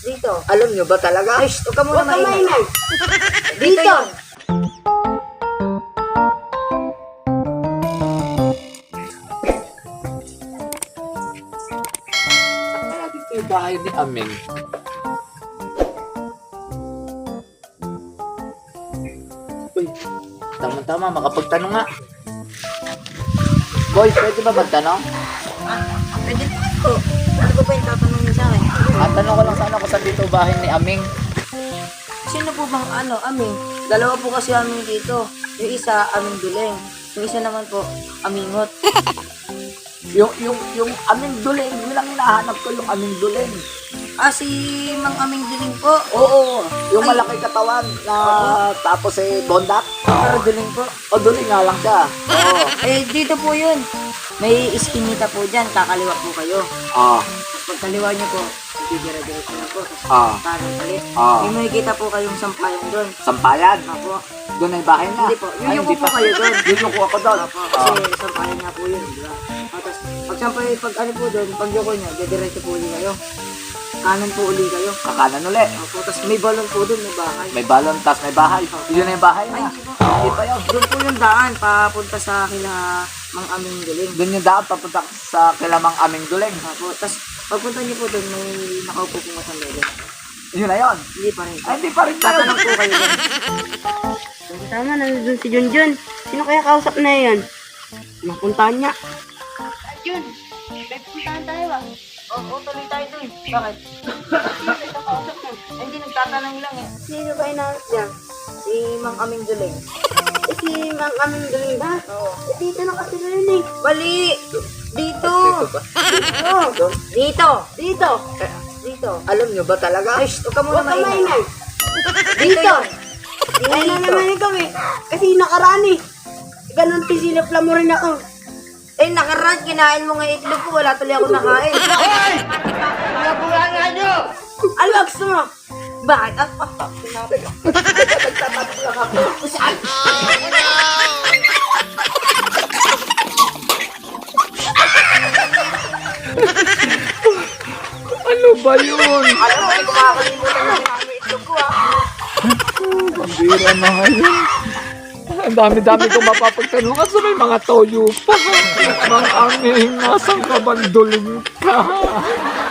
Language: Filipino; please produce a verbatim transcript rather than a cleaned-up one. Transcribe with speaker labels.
Speaker 1: Dito.
Speaker 2: Alam nyo ba talaga?
Speaker 1: Ay, shh, huwag ka muna
Speaker 3: Huwag ka
Speaker 1: maingay.
Speaker 3: maingay.
Speaker 1: Dito
Speaker 3: Dito.
Speaker 1: yun.
Speaker 2: Kaya dito yung bahay ni Aming. Uy, tama-tama, makapagtanong nga. Boy, pwede ba magtanong?
Speaker 1: Ah, pwede po. Ano po ba yung tatanong niyo sa akin?
Speaker 2: At tanong ko lang sana kung saan dito bahay ni Aming.
Speaker 1: Sino po bang ano, aming? Dalawa po kasi aming dito. Yung isa, aming duleng. Yung isa naman po, amingot.
Speaker 2: Yung, yung, yung Aming Duling, yun lang hinahanap ko, yung Aming Duling.
Speaker 1: Ah, si Mang Aming Duling po.
Speaker 2: Oo, yung
Speaker 1: Ay.
Speaker 2: malaki katawan na tapos eh bondak.
Speaker 1: Pero Duling po.
Speaker 2: O Duling nga lang siya. Oo.
Speaker 1: Eh, dito po yun. May iskinita po dyan. Kakaliwa po kayo.
Speaker 2: Ah,
Speaker 1: Pagkaliwa niyo po, didira-diretso na po.
Speaker 2: Ah.
Speaker 1: Parang palit.
Speaker 2: Ah.
Speaker 1: May makikita po kayong sampayan doon.
Speaker 2: sampayan.
Speaker 1: Apo.
Speaker 2: Doon ay bahay na.
Speaker 1: Hindi po.
Speaker 2: Ay,
Speaker 1: Yuyuko
Speaker 2: hindi
Speaker 1: po kayo doon.
Speaker 2: Yuyuko ako doon.
Speaker 1: Apo.
Speaker 2: Ah.
Speaker 1: Kasi sampayan nga po yun. Diba? Ah, Tapos, pag sampay, pag ano po doon, pag yuko niyo, didiretso po uli kayo. Kanan po uli kayo.
Speaker 2: Kakanan uli.
Speaker 1: Apo. Tapos may balon po doon, may bahay.
Speaker 2: May balon, tas may bahay. Yun na yung bahay
Speaker 1: Ay,
Speaker 2: na.
Speaker 1: hindi po.
Speaker 2: Hindi pa yun.
Speaker 1: Doon po yung daan, papunta sa kila Mang Aming Duling.
Speaker 2: Doon yung daan papunta sa kilamang Aming Duling.
Speaker 1: Apo. Tapos, pagpunta niyo po doon, may nakaupo po matanda doon.
Speaker 2: Yun na yun.
Speaker 1: Hindi pa rin.
Speaker 2: Ay, hindi pa rin tayo.
Speaker 1: Tatanong po kayo doon.
Speaker 3: Tama, nandun si Junjun. Sino kaya kausap na yan? Mapuntahan niya. Jun, may puntahan tayo ah.
Speaker 1: Oo, oh, tuloy tayo doon. Bakit? Ay, hindi, nagtatanong lang eh.
Speaker 3: Sino ba inaarap niya?
Speaker 1: Si Mang Aming Duling.
Speaker 3: Eh, si Mang Aming Duling ba?
Speaker 1: Oo.
Speaker 3: Eh, dito na kasi rin eh.
Speaker 1: Mali! Dito!
Speaker 3: Dito.
Speaker 1: Dito!
Speaker 3: Dito.
Speaker 1: Dito!
Speaker 2: Alam nyo ba talaga?
Speaker 1: Ay, shh, huwag ka muna
Speaker 3: Huwag ka
Speaker 1: maingay.
Speaker 3: maingay.
Speaker 1: Dito yun!
Speaker 3: Ay na
Speaker 1: Dito!
Speaker 3: naman ikaw eh. Kasi nakaraan eh. Ganon pisilip lang mo rin ako.
Speaker 1: Eh, nakaraan, kinain mo nga itlog ko. Wala tuloy ako nakain.
Speaker 3: Ano ba gusto mo?
Speaker 1: Bakit? Ah, ah, ah, sinabi ko.
Speaker 2: Nagtatanong lang ako.
Speaker 1: Saan?
Speaker 2: Ano ba yun?
Speaker 1: Alam mo, hindi ko makakalimutan na kinain mo itlog ko ah.
Speaker 2: Pambira na ngayon. Ang dami-dami kong mapapagtanong. Kaso may mga toyo pa. Mang Aming, nasang kabanduling ka?